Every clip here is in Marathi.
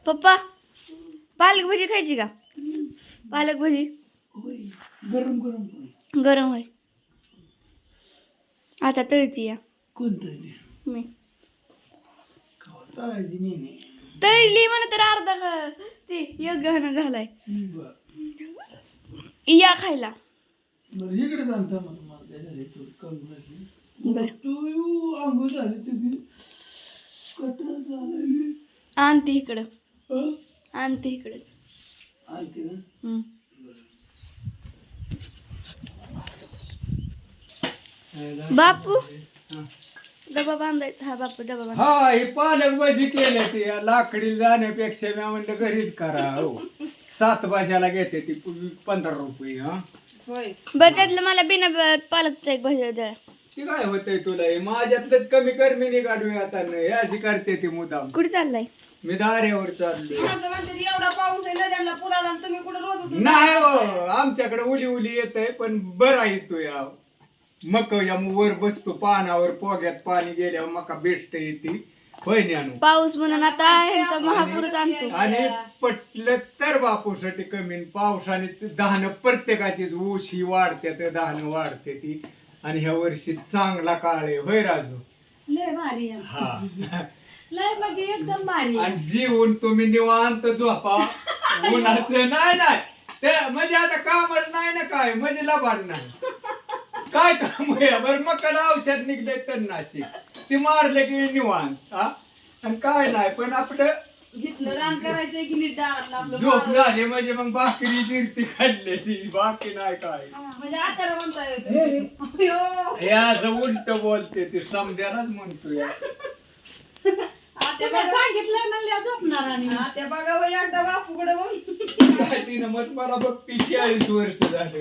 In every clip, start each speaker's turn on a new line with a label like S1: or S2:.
S1: पप्पा पालक भाजी खायची का? पालक भाजी
S2: गरम गरम
S1: गरम होय. आता तळती या
S2: कोणतं
S1: मी
S2: तळायची नाही
S1: तळली म्हणा तर अर्धा ते एक गहना झालाय या खायला.
S2: बरं इकडे जाणता मला झाले तू कमी
S1: बर
S2: तू अंघोळ झाली तुम्ही कटर झालेली
S1: आणते इकडं आणते इकडं
S2: आणते ना
S1: बापू डबा बांधायचा. हा बापू डबा बांध.
S3: हा हे पालक भाजी केले ते लाकडी जाण्यापेक्षा मी म्हणलं घरीच करा. हो 7 भाज्याला घेते ती 15 रुपये. हा
S1: बरं त्यातलं मला बिना पालकचा एक भाजी द्या.
S3: ती काय होतंय तुला हे माझ्यातलंच कमी कर मी निघाडूया आता हे अशी करते ती मुदाम.
S1: कुठे चाललाय?
S3: मी दाऱ्यावर चाललोय.
S4: एवढा पाऊस आहे नद्यांना पुराला आणि तुम्ही कुठे रोज उठून
S3: नाही हो आमच्याकडे उली उली येत आहे पण बरा येतो या मका या वर बसतो पानावर पोग्यात पाणी गेल्यावर मका बेस्ट येते होय आणू
S1: पाऊस म्हणून आता ह्यांचा महापूरच आणतो.
S3: आणि पटलं तर बापूसाठी कमी पावसाने धान प्रत्येकाचीच ऊशी वाढते तर धान वाढते ती आणि ह्या वर्षी चांगला काळ आहे होय राजू.
S4: लय भारी आहे.
S3: हा
S4: लय म्हणजे एकदम भारी
S3: आणि जीवन तुम्ही निवांत झोपा उन्हाचं नाही ते म्हणजे आता कामच नाही ना काय म्हणजे लबाड नाही काय काम आहे बरं मग औषध निघले तर नाशिक ती मारले की निवांत. हा आणि काय नाही पण आपलं
S4: घेतलं रान करायचंय की नीट दारातलं आपलं
S3: झोप झाली म्हणजे मग भाकरी जिरती खाल्लेली बाकी नाही काय.
S4: म्हणजे आता म्हणता येतो
S3: हे असं उलट बोलते ती समजायलाच म्हणतो या
S4: सांगितलंय म्हणल्या झोपणार आणि त्या बघा बाई एकदा बापूकडे बघ
S3: काय तिनं मग मला बघ 40 वर्ष झाले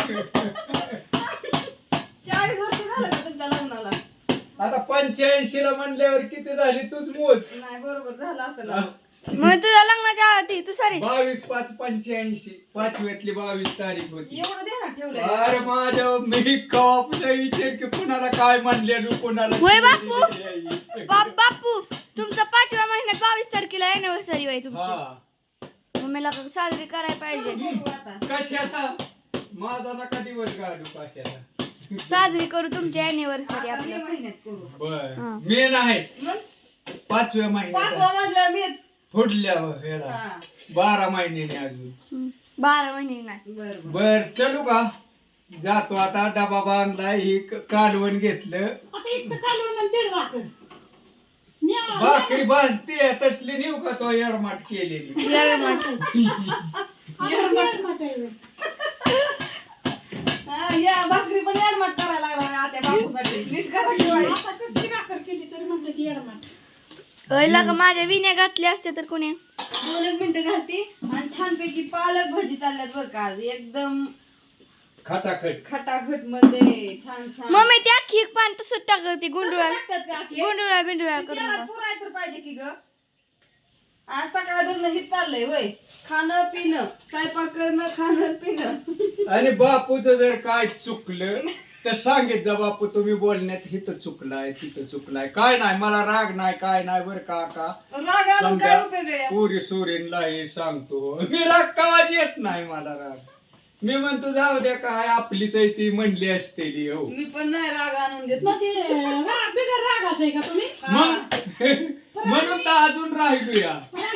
S4: 40 वर्ष झालं का तुमच्या लग्नाला?
S3: आता 85 ला म्हणल्यावर किती झाली तूच मोज.
S4: नाही बरोबर झालं असं
S1: मग तुझ्या लग्नाच्या आधी तू सॉरी
S3: 22/5/85 पाचव्यातली 22 तारीख होती.
S4: एवढं ध्यानात ठेवलंय.
S3: अरे माझ्या मी कॉपला विचार की कुणाला काय म्हणले कुणाला
S1: होय बापू बापू तुमचा 5व्या महिन्यात 22 तारखेला अॅनिव्हर्सरी आहे तुमची.
S3: हा
S1: मग मला साजरी करायला पाहिजे.
S4: बघू आता.
S3: कशाला माझा नका दिवस घालू कशाला
S1: साजरी करू तुमची अॅनिव्हर्सरी
S4: आता मे
S1: आपल्या.
S4: महिन्यात करू.
S3: बर
S1: हा.
S3: मी नाही
S4: मग
S3: 5व्या महिन्यात
S4: 5वा मधला मीच.
S3: फुडल्या ह्याला
S4: हा.
S3: 12 महिन्याने अजून.
S1: 12 महिने नाही.
S4: बरं
S3: बर चलू का जातो आता डबा बांधलाय ही कालवण घेतलं भाकरी भाजते तसली नेऊ का तो येडमाट केलेली
S4: हा, या भाकरी पण एडमाट करायला लागला आता बापूसाठी. नीट करा की बाई.
S1: पहिला का माझ्या विण्या घातल्या असत्या तर कोणी
S4: 2 मिनिटं घालती आणि छानपैकी पालक भाजी चालल्यात बरं का आज. एकदम
S3: खटाखट
S4: खटाखट मध्ये छान छान.
S1: मम्मी त्या खीक पान तसंच टाकते गुंडुळा
S4: टाकतात का की?
S1: गुंडुळा बिंडुळा
S4: त्याला
S1: करून.
S4: पुराय तर पाहिजे की ग. आज सकाळ दोन हित चाललंय होय. खाणं पिणं स्वयंपाक करणं खाणं पिणं.
S3: आणि बापूचं जर काय चुकलं तर सांगित जा बापू तुम्ही बोलण्यात हिथं चुकलाय तिथं चुकलाय काय नाही मला राग नाही काय नाही बरं का
S4: राग आणून काय उपयोग आहे?
S3: पुरी सुरीनला हे सांगतो मी राग कावाच येत नाही मला राग मी म्हणतो जाऊ द्या काय आपलीच आहे ती म्हणली असतेली हो
S4: मी पण नाही राग आणून देत.
S3: मग म्हणून तर अजून राहिलो या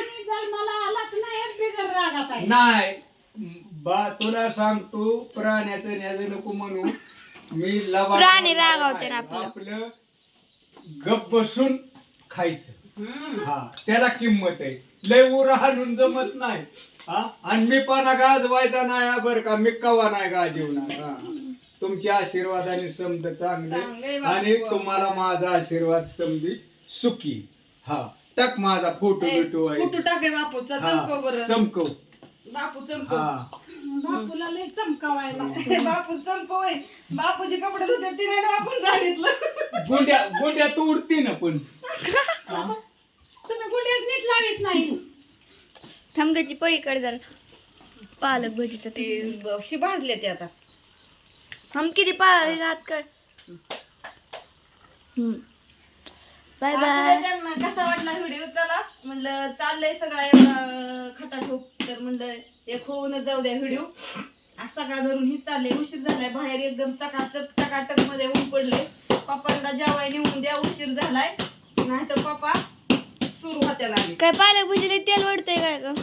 S3: नाही बा तुला सांगतो प्राण्याचं न्याज नको म्हणू मी लबाड
S1: प्राणी रागावते ना आपलं.
S3: आपलं गप बसून खायचं हा त्याला किंमत आहे लय उर हाणून जमत नाही हा आणि मी पाना गाजवायचा नाही बरं का मी कवा नाही गाजवणार हा तुमच्या आशीर्वादाने समज चांगले आणि तुम्हाला माझा आशीर्वाद समजी सुखी हा टाक माझा फोटो बिटो आहे
S4: कुठं टाके बापूचा चमकव बरं.
S3: चमकव
S4: बापू चमकव.
S3: हा
S4: बापूला लय चमकावायला. बापू चमकव. बापूचे कपडे धुते ते नाही बापून सांगितलं.
S3: गुंड्या तू उडती ना पण
S4: तुम्ही गुंड्यात नीट लावित नाही.
S1: थमग्याची पळीकडे जरा पालक भजीचं ते
S4: ते भाजले ते आता.
S1: हम किती पालक हात कर बाय
S4: असं
S1: बाय.
S4: नाही त्यांना कसा वाटला व्हिडिओ चला म्हणलं चाललंय सगळा एवढा खटाठोक तर म्हणलं एक होऊनच जाऊ द्या व्हिडिओ. आज सकाळ धरून ही चाललंय उशीर झालाय बाहेर एकदम चकाचक चकाटक मध्ये ऊन पडले. पप्पांना जेवाय नेऊन द्या उशीर झालाय नाही तर पप्पा सुरू होत्या लागले.
S1: काय पालक भजीला तेल वडतंय काय ग?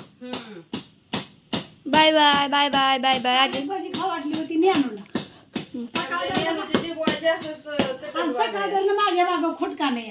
S1: Bye bye bye bye bye bye. अजून
S5: भाजी खाऊ वाटली होती मी आणून माझ्या मागं खोटका नाही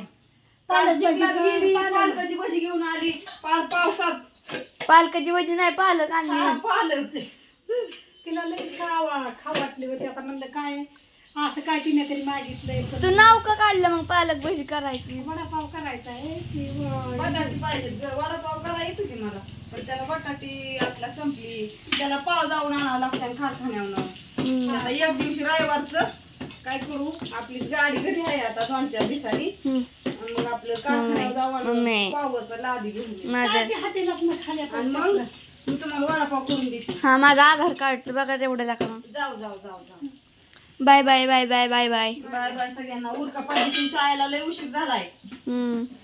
S4: पालकाची भाजी घेऊन आली पार पावसात.
S1: पालकाची भजी नाही पालक आणली.
S4: पालक
S5: तिला लई खाऊ वाटली होती. आता म्हणलं काय असं काय तिने तरी मागितलंय
S1: तू नाव का काढलं मग पालक भजी करायची?
S5: वडापाव करायचा आहे की
S4: बटाटी पाहिजे वडापाव करा येतो की मला पण त्याला बटाटी आपला संपली त्याला पाव जाऊन आणावं लागतं कारखान्यावरून. आता एक दिवशी रविवारचं काय करू आपली गाडी घरी आहे आता 2-4 दिवसांनी मग आपलं कारखान्यावर जाऊन पावाचं लादी घेऊन येऊ.
S1: माझं
S5: हातीला खाल्या
S4: आणि मग मी तुम्हाला वडापाव करून देते.
S1: हा माझं आधार कार्डचं बघा तेवढं लागलं.
S4: जाऊ जाऊ जाऊ जाऊ
S1: bye bye bye bye bye bye.
S4: Bye bye सगळ्यांना. उरका पाहिजे शाळेला लय उशीर झालाय.